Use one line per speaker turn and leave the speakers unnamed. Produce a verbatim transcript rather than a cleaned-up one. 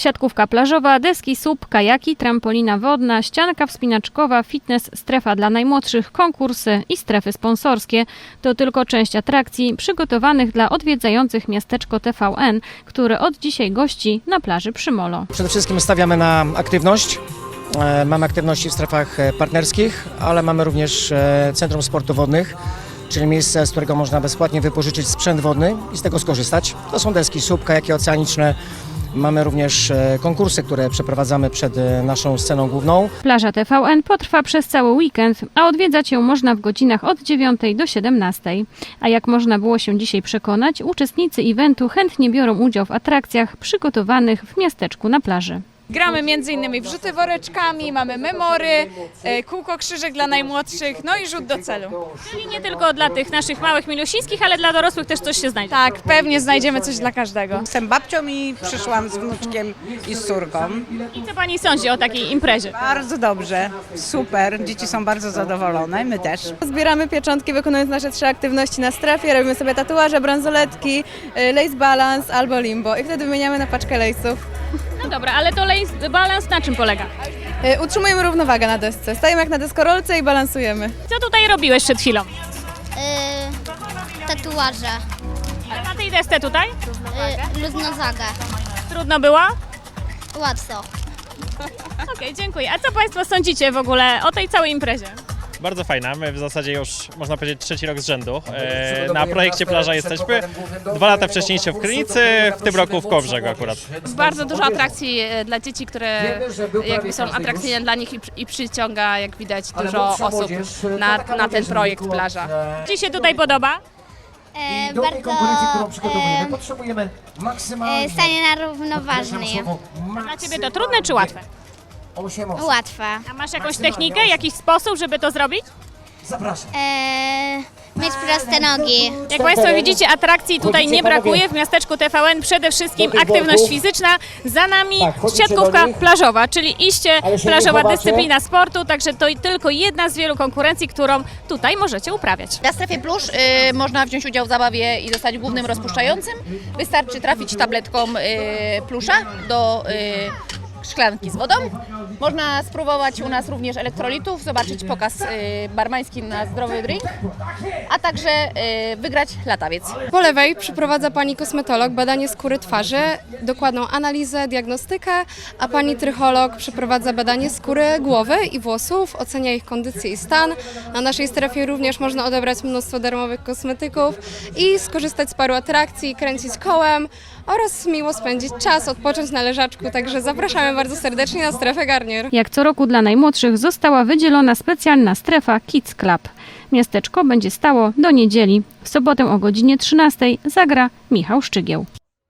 Siatkówka plażowa, deski S U P, kajaki, trampolina wodna, ścianka wspinaczkowa, fitness, strefa dla najmłodszych, konkursy i strefy sponsorskie. To tylko część atrakcji przygotowanych dla odwiedzających miasteczko T V N, które od dzisiaj gości na plaży przy Molo.
Przede wszystkim stawiamy na aktywność. Mamy aktywności w strefach partnerskich, ale mamy również Centrum Sportu Wodnych, czyli miejsce, z którego można bezpłatnie wypożyczyć sprzęt wodny i z tego skorzystać. To są deski S U P, kajaki oceaniczne. Mamy również konkursy, które przeprowadzamy przed naszą sceną główną.
Plaża T V N potrwa przez cały weekend, a odwiedzać ją można w godzinach od dziewiątej do siedemnastej. A jak można było się dzisiaj przekonać, uczestnicy eventu chętnie biorą udział w atrakcjach przygotowanych w miasteczku na plaży.
Gramy między innymi w rzuty woreczkami, mamy memory, kółko krzyżyk dla najmłodszych, no i rzut do celu.
Czyli nie tylko dla tych naszych małych milusińskich, ale dla dorosłych też coś się znajdzie.
Tak, pewnie znajdziemy coś dla każdego.
Jestem babcią i przyszłam z wnuczkiem i z córką.
I co pani sądzi o takiej imprezie?
Bardzo dobrze, super, dzieci są bardzo zadowolone, my też.
Zbieramy pieczątki, wykonując nasze trzy aktywności na strefie, robimy sobie tatuaże, bransoletki, lace balance albo limbo i wtedy wymieniamy na paczkę lace'ów.
No dobra, ale to lace balance na czym polega?
Utrzymujemy równowagę na desce, stajemy jak na deskorolce i balansujemy.
Co tutaj robiłeś przed chwilą?
Yy, tatuaże,
Ale na tej desce tutaj?
yy, luznozagę.
Trudno było?
Łatwo.
Okej, dziękuję. A co państwo sądzicie w ogóle o tej całej imprezie?
Bardzo fajna, my w zasadzie już można powiedzieć trzeci rok z rzędu. E, na projekcie Plaża jesteśmy. Dwa lata wcześniej się w Krynicy, w tym roku w Kołobrzegu akurat.
Bardzo dużo atrakcji dla dzieci, które jakby są atrakcyjne dla nich i, i przyciąga, jak widać, dużo osób na, na ten projekt Plaża.
Ci się tutaj podoba?
E, bardzo e, e, stanie na równoważnie.
Dla ciebie to trudne czy łatwe?
Łatwe.
A masz jakąś technikę, jakiś sposób, żeby to zrobić?
E, mieć proste nogi.
Jak państwo widzicie, atrakcji tutaj nie brakuje. W miasteczku T V N przede wszystkim aktywność fizyczna. Za nami siatkówka plażowa, czyli iście plażowa dyscyplina sportu. Także to tylko jedna z wielu konkurencji, którą tutaj możecie uprawiać.
Na strefie plusz y, można wziąć udział w zabawie i zostać głównym rozpuszczającym. Wystarczy trafić tabletką y, plusza do y, szklanki z wodą. Można spróbować u nas również elektrolitów, zobaczyć pokaz y, barmański na zdrowy drink, a także y, wygrać latawiec.
Po lewej przeprowadza pani kosmetolog badanie skóry twarzy, dokładną analizę, diagnostykę, a pani trycholog przeprowadza badanie skóry głowy i włosów, ocenia ich kondycję i stan. Na naszej strefie również można odebrać mnóstwo darmowych kosmetyków i skorzystać z paru atrakcji, kręcić kołem oraz miło spędzić czas, odpocząć na leżaczku, także zapraszamy bardzo serdecznie na strefę Garnier.
Jak co roku dla najmłodszych została wydzielona specjalna strefa Kids Club. Miasteczko będzie stało do niedzieli. W sobotę o godzinie trzynastej zagra Michał Szczygieł.